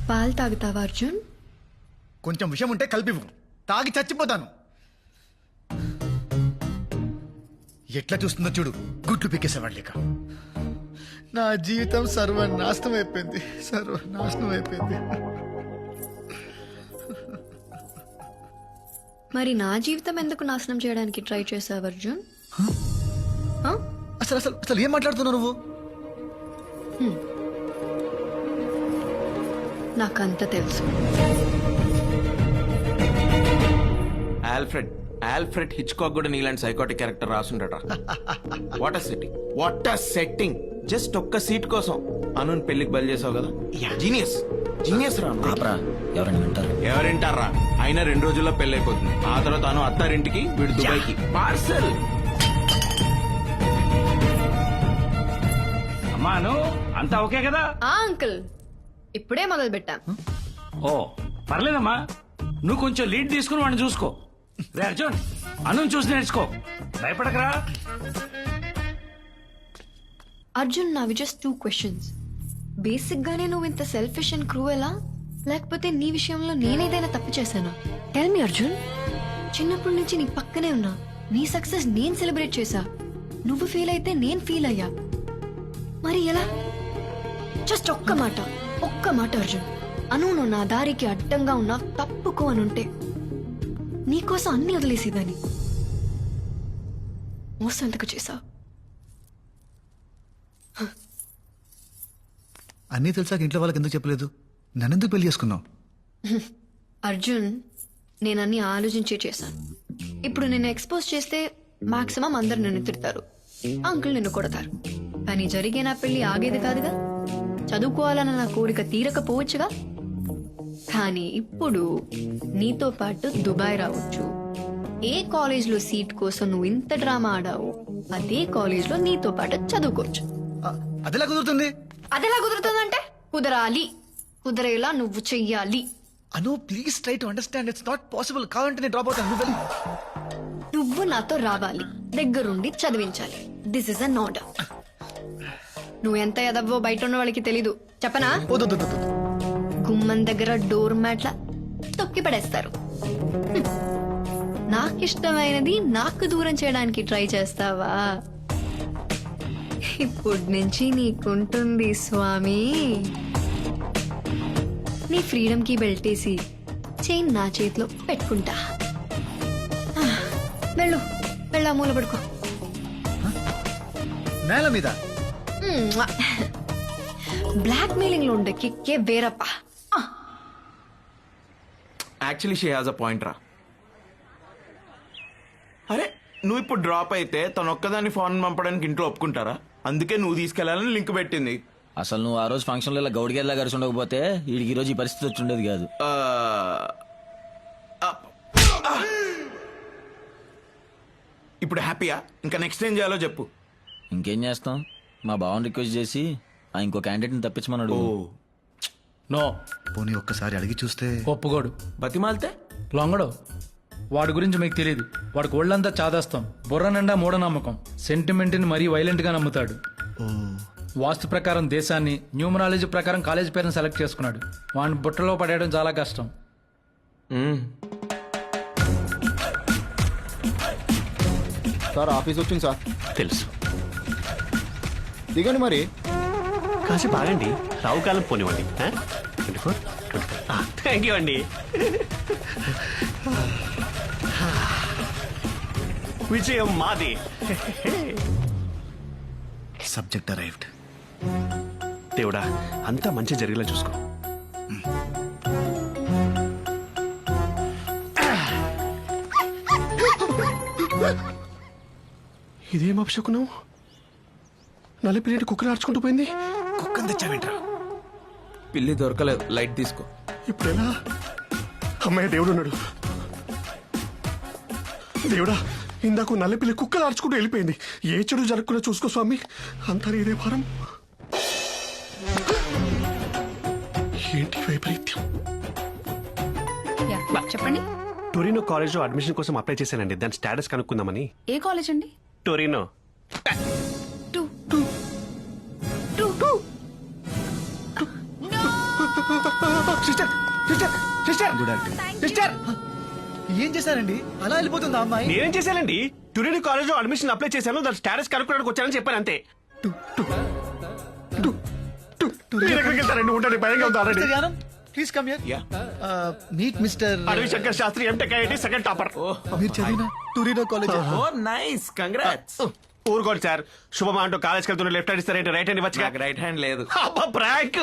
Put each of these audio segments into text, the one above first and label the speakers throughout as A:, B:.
A: పాలు తాగుతావా అర్జున్?
B: కొంచెం విషయం ఉంటే కలిపివు, తాగి చచ్చిపోతాను. ఎట్లా చూస్తుందో చూడు, గుడ్లు పీకేసేవాడు లేక. నా జీవితం సర్వనాశనం అయిపోయింది, సర్వనాశనం అయిపోయింది.
A: మరి నా జీవితం ఎందుకు నాశనం చేయడానికి ట్రై చేసావు అర్జున్?
B: అసలు అసలు అసలు ఏం మాట్లాడుతున్నావు నువ్వు?
A: నాకంత తెలుసు.
C: ఆల్ఫ్రెడ్ హిచ్కాక్ కూడా నీలాంటి సైకోటిక్ క్యారెక్టర్ రాసుండట. What a setting. జస్ట్ ఒక్క సీట్ కోసం అను పెళ్లికి బయలు చేసావు కదా. జీనియస్ రా. ఎవరింటారా? అయినా 2 రోజుల్లో పెళ్లి అయిపోతుంది. ఆ తర్వాత అను అత్తారింటికి, వీడు దుబాయ్కి పార్సల్.
D: అమ్మాను అంతా ఓకే కదా?
A: అంకుల్ ఇప్పుడే మొదలు పెట్టాం.
D: ఓ పర్లేదమ్మా, నువ్వు కొంచెం లీడ్ తీసుకుని వాడిని చూసుకో. రే అర్జున్, అను చూసి నేర్చుకో, భయపడకరా.
A: అర్జున్, నావి జస్ట్ 2 క్వశ్చన్స్. బేసిక్ గానే నువ్వు ఇంత సెల్ఫిష్ అండ్ క్రూయలా, లేకపోతే నీ విషయంలో నేనేదైనా తప్పు చేశానా? Tell me Arjun. చిన్నప్పటి నుంచి నీ పక్కనే ఉన్నా, నీ సక్సెస్ నేను సెలబ్రేట్ చేశా. నువ్వు ఫీల్ అయితే నేను ఫీల్ అయ్యా. మరి ఎలా? జస్ట్ ఒక్క మాట అర్జున్. అను నువ్వు నా దారికి అడ్డంగా ఉన్నా తప్పుకో అనుంటే నీకోసం అన్ని వదిలేసేదాన్ని. మోసం ఎందుకు చేశావు?
B: అన్నీ తెలిసాక ఇంట్లో వాళ్ళకి ఎందుకు చెప్పలేదు? నన్నెందుకు పెళ్లి చేసుకున్నావు?
A: అర్జున్, నేనన్నీ ఆలోచించే చేశాను. ఇప్పుడు నిన్ను ఎక్స్పోజ్ చేస్తే మాక్సిమం అందరు నిన్ను తిడతారు, అంకుల్ నిన్ను కొడతారు. కానీ జరిగే నా పెళ్లి ఆగేది కాదుగా. చదువుకోవాలన్న నా కోరిక తీరకపోవచ్చుగా. కానీ ఇప్పుడు నీతో పాటు దుబాయ్ రావచ్చు. ఏ కాలేజ్లో సీట్ కోసం నువ్వు ఇంత డ్రామా ఆడావు, అదే కాలేజ్లో నీతో పాటు చదువుకోవచ్చు.
B: అదెలా కుదురుతుంది?
A: అదెలా కుదురుతుందంటే కుదరేలా నువ్వు చెయ్యాలి.
B: Anu please try to understand, it's not possible. కావాలంటే నేను డ్రాప్ అవుతాను.
A: నువ్వు నాతో రావాలి, దగ్గరుండి చదివించాలి. This is an order. నువ్వు ఎంత ఎదవ్వో బయట ఉన్న వాళ్ళకి తెలీదు, చెప్పనా? గుమ్మం దగ్గర డోర్ మ్యాట్ల తొక్కి పడేస్తారు. నాకిష్టమైనది నాకు దూరం చేయడానికి ట్రై చేస్తావా? ఇప్పటి నుంచి నీకుంటుంది స్వామి. నీ ఫ్రీడమ్ కి బెల్టేసి చైన్ నా చేతిలో పెట్టుకుంటా. వెళ్ళు మూల పడుకో.
B: నేల మీద
A: బ్లాక్ మెయిలింగ్ లో ఉండే కిక్కే వేరప్పా.
C: Actually she has a point రా. అరే నువ్వు ఇప్పుడు డ్రాప్ అయితే తను ఒక్కదాన్ని ఫోన్ పంపడానికి ఇంట్లో ఒప్పుకుంటారా? అందుకే నువ్వు తీసుకెళ్లాలని లింక్ పెట్టింది.
E: అసలు నువ్వు ఆ రోజు ఫంక్షన్ లో గౌడిగేలా కలిసి ఉండకపోతే వీడికి ఈ రోజు ఈ పరిస్థితి వచ్చి ఉండేది కాదు.
C: ఇప్పుడు హ్యాపీయా? ఇంకా నెక్స్ట్ ఏం చేయాలో చెప్పు.
E: ఇంకేం చేస్తాం, మా బావని రిక్వెస్ట్ చేసి ఇంకో క్యాండిడేట్ని తప్పించమన్నాడు.
F: నో,
B: పోనీ ఒక్కసారి అడిగి చూస్తే.
F: ఒప్పుకోడు.
C: బతిమాలితే
F: లొంగడు. వాడి గురించి మీకు తెలియదు. వాడికి ఒళ్ళంతా చాదాస్తాం, బుర్ర నిండా మూఢనమ్మకం, సెంటిమెంట్ని మరీ వైలెంట్ గా నమ్ముతాడు. వాస్తు ప్రకారం దేశాన్ని, న్యూమరాలజీ ప్రకారం కాలేజ్ పేరుని సెలెక్ట్ చేసుకున్నాడు. వాడిని బుట్టలో పడేయడం చాలా కష్టం.
G: సార్ ఆఫీస్ వచ్చింది సార్.
H: తెలుసు.
G: దిగండి మరి.
H: కాసేపు ఆగండి, రావు కాలం పోనివ్వండి. 24 థ్యాంక్ యూ అండి. విజయం మాది.
B: Subject arrived.
H: దేవుడా, అంతా మంచి జరిగేలా చూసుకో. ఇదేం అపశకునం? నలిపిలేంటి కుక్కలు ఆడుచుకుంటూ పోయింది.
B: కుక్కని తెచ్చావేంట్రా?
C: పిల్లి దొరకలేదు, లైట్ తీసుకో.
H: ఇప్పుడు ఎలా? అమ్మాయి దేవుడు ఉన్నాడు. దేవుడా, ఇందాక నల్లపిల్లి కుక్కలు ఆడుచుకుంటూ వెళ్ళిపోయింది. ఏ చెడు జరగకుండా చూసుకో స్వామి. అంతా ఇదే భారం. ఏంటి వైపరీత్యం?
I: చెప్పండి.
H: టొరినో కాలేజ్ లో అడ్మిషన్ కోసం అప్లై చేశానండి. దాని స్టేటస్ కనుక్కుందామని.
I: ఏ కాలేజ్ అండి?
H: Torino.
B: Sister sister sister sister ఏం చేశారండి అలా వెళ్ళిపోతుంది ఆ అమ్మాయి?
I: నేనేం చేశానండి? టుడే కాలేజ్ లో అడ్మిషన్ అప్లై చేశాను, దాని స్టేటస్ కనుక్కోడానికి వచ్చానని చెప్పాను అంతే.
H: మీరు ఎక్కడికి వెళ్తారండి? ఉండండి, భయంగా ఉంది already.
B: Mister Yanam please come here.
C: Yeah.
B: Meet mister
I: Adavi Shankar Shastri MTech IIT second topper.
B: మీరు చదివిన Torino college.
C: Oh nice, congrats.
I: ఊరుకోండి సార్, శుభమా అంటూ కాలేజ్కి వెళ్తున్న లెఫ్ట్ హ్యాండ్ ఇస్తారేంటి, రైట్ హ్యాండ్ ఇవ్వచ్చుగా.
C: నాకు రైట్ హ్యాండ్ లేదు.
I: ప్రాంక్.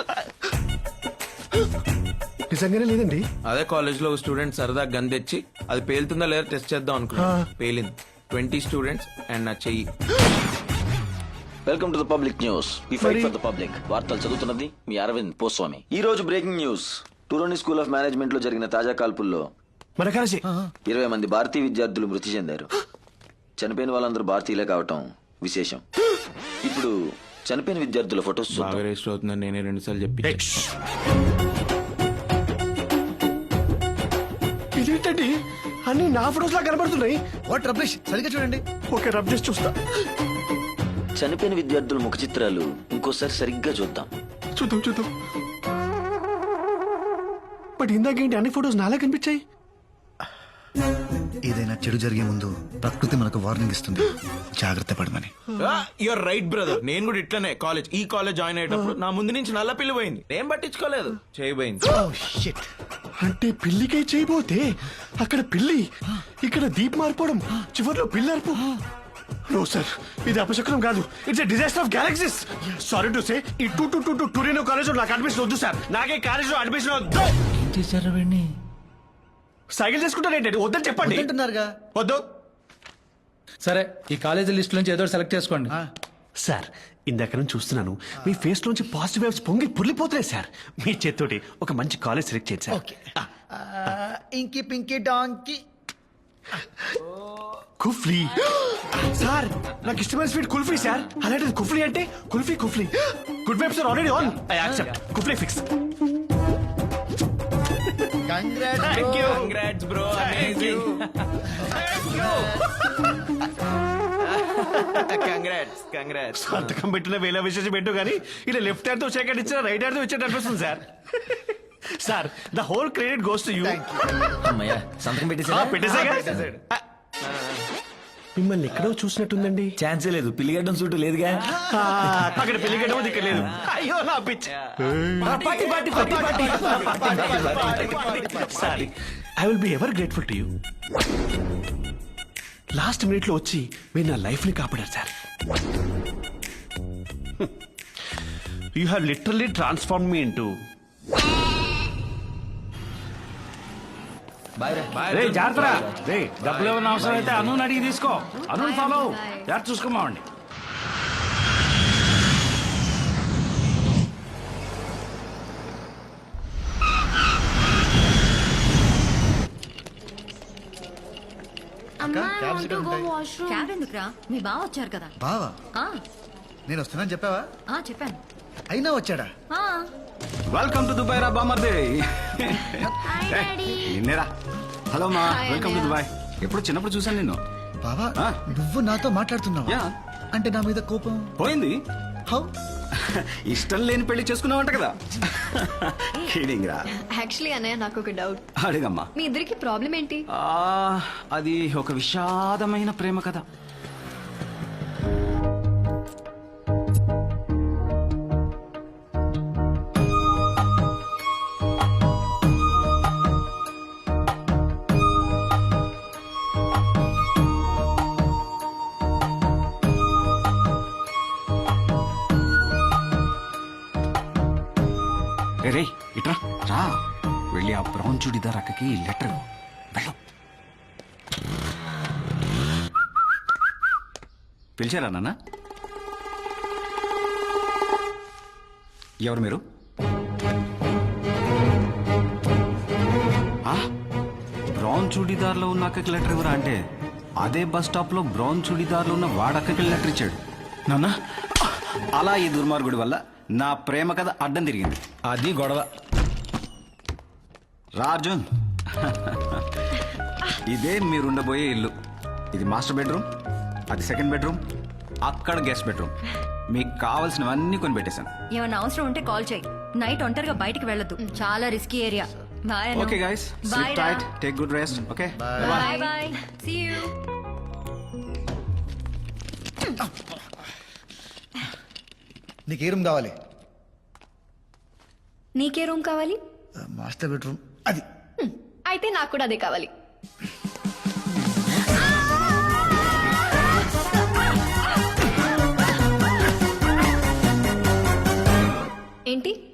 H: నిజంగానే లేదండి.
C: అదే కాలేజ్ లో స్టూడెంట్ సరదా గన్ తెచ్చి అది పేలుతుందా లేదా టెస్ట్ చేద్దాం అనుకున్నా. పేలింది. 20 స్టూడెంట్స్ అండ్ నా చెయ్యి.
E: Welcome to the public news. We fight for the public. వార్తలు చదువుతున్నది మీ అరవింద్ పోస్వామి. ఈ రోజు breaking news. Torino school of management లో జరిగిన తాజా కాల్పుల్లో
I: మన కాలేజీ
E: 20 మంది భారతీయ విద్యార్థులు మృతి చెందారు. చనిపోయిన వాళ్ళందరూ భారతీయులే కావటం విశేషం. ఇప్పుడు చనిపోయిన విద్యార్థుల ఫొటోస్
C: బాగా రిజిస్టర్ అవుతుందని నేనే 2 సార్లు చెప్పి.
H: ఇదేంటండి అన్ని నా ఫోటోస్ లా కనబడుతున్నాయి.
B: వాట్ రబ్లిష్, సరిగ్గా చూడండి.
H: ఓకే, రబ్ చేసి చూస్తా.
E: చనిపోయిన విద్యార్థుల ముఖ చిత్రాలు ఇంకోసారి సరిగ్గా చూద్దాం.
H: చూద్దాం. బట్ ఇందాకేంటి అన్ని ఫోటోస్ నాలా కనిపించాయి?
B: ఏదైనా చెడు జరిగే ముందు ప్రకృతి మనకు వార్నింగ్ ఇస్తుంది, జాగ్రత్త పడమని.
C: Your right brother. నేను కూడా ఇట్లనే ఈ కాలేజ్ జాయిన్ అయ్యేటప్పుడు నా ముందు నుంచి నల్ల పిల్లి పోయింది. నేను పట్టించుకోలేదు, చేయబోయింది.
H: అంటే పిల్లికై చేయబోతే అక్కడ పిల్లి, ఇక్కడ దీప్ మారిపోవడం, చివర్లో పిల్లి అరుపు. నో సార్, ఇది అపశకునం కాదు. It's a disaster of galaxies.
I: Sorry to say, ఈ టూరినో కాలేజ్ లో నాకు అడ్మిషన్ వద్దు సార్. నాకే కాలేజ్ లో అడ్మిషన్ వద్దు. సైకిల్ చేసుకుంటారేంటి? వద్దని చెప్పండి.
B: అంటున్నారుగా.
I: వద్దు
F: సరే, ఈ కాలేజీ లిస్ట్ నుంచి ఏదో సెలెక్ట్ చేసుకోండి.
I: సార్, ఇందాక నుంచి చూస్తున్నాను మీ ఫేస్ లోంచి పాజిటివ్ వేవ్స్ పొంగి పుర్లిపోతున్నాయి సార్. మీ చేత్తోటి ఒక మంచి కాలేజ్ సెలెక్ట్ చేయండి sir.
B: Okay. Inky pinky డాంకి.
I: కుఫ్లీ sir, నాకు ఇష్టమైన స్వీట్ కుల్ఫీ సార్. అలాంటిది కుఫ్లీ అంటే kulfi. Good vibes are already on. I accept. Kufli fix. Thank you.
C: Congrats bro, amazing. Congrats.
I: సంతకం పెట్టిన వేల విశేషం పెట్టు కానీ ఇలా లెఫ్ట్ హ్యాండ్ తో సెకండ్ ఇచ్చిన రైట్ హ్యాండ్ తో ఇచ్చేట అనిపిస్తుంది sir. Sir, the whole credit goes to you.
E: అమ్మయ్య, సంతకం
I: పెట్టేసాగా. మిమ్మల్ని ఎక్కడో చూసినట్టుందండి.
E: ఛాన్సే లేదు. పిల్లిగడ్డం సూటు లేదుగా.
I: అక్కడ పెళ్లి గడ్డ ఇక్కడ లేదు. అయ్యో నా pitch. Sorry, I will be ever grateful to you. Last minute లో వచ్చి మీరు నా లైఫ్ ని కాపాడారు సార్. You have literally transform me into.
D: రే జాగ్రత్త. రే డబ్బులు ఏమైనా అవసరం అయితే అను అడిగి తీసుకో. అను ఫాలో జాగ్రత్త చూసుకోమావండి.
J: క్యాబ్ ఎందుకురా? మీ బావ వచ్చారు కదా.
B: బావా,
J: ఆ,
B: నేను వస్తున్నాను చెప్పావా?
J: చెప్పాను.
B: అయినా వచ్చాడా?
J: ఆ,
I: వెల్కమ్ టు దుబాయ్ రా బామర్దే.
K: నిన్నేరా. హలో మా,
A: Hi,
K: వెల్కమ్ టు
A: అన్నయ్య.
K: దుబాయ్. ఎప్పుడు చిన్నప్పుడు చూసాను నిన్ను.
B: బావా,
K: ఆ?
B: నువ్వు నాతో మాట్లాడుతున్నావా?
K: యా.
B: అంటే నా మీద కోపం?
K: పోయింది.
B: హౌ?
K: ఇష్టం లేని పెళ్లి చేసుకున్నావంట కదా. కిడింగ్ రా.
A: యాక్చువల్లీ అన్నయ్య, నాకు ఒక డౌట్.
K: అడిగమ్మా.
A: మీ ఇద్దరికి ప్రాబ్లం ఏంటి?
K: అది ఒక విషాదమైన ప్రేమ కథ. రే ఇట్రా రా, వెళ్ళి ఆ బ్రౌన్ చుడిదార్ అక్కకి లెటర్ వెళ్ళు. పిలిచారా నాన్న? ఎవరు మీరు? బ్రౌన్ చుడిదార్లో ఉన్న అక్కకి లెటర్ ఎవరా అంటే అదే బస్ స్టాప్ లో బ్రౌన్ చుడిదార్లో ఉన్న వాడక్కకి లెటర్ ఇచ్చాడు. నాన్న, అలా ఈ దుర్మార్గుడి వల్ల నా ప్రేమ కథ అడ్డం తిరిగింది.
E: అది గొడవ.
K: రాజన్, ఇదే మీరుండబోయే ఇల్లు. ఇది మాస్టర్ బెడ్రూమ్, అది సెకండ్ బెడ్రూమ్, అక్కడ గెస్ట్ బెడ్రూమ్. మీకు కావాల్సినవన్నీ కొని పెట్టేశాను.
J: ఏమన్నా అవసరం ఉంటే కాల్ చేయి. నైట్ ఒంటరిగా బయటికి వెళ్ళొద్దు చాలా risky area bye
K: okay guys sleep tight take good rest okay
J: bye bye see you
B: నీకు ఏ రూమ్ కావాలి?
A: నీకే రూమ్ కావాలి?
B: మాస్టర్ బెడ్రూమ్ అది.
A: అయితే నాకు కూడా అదే కావాలి. ఏంటి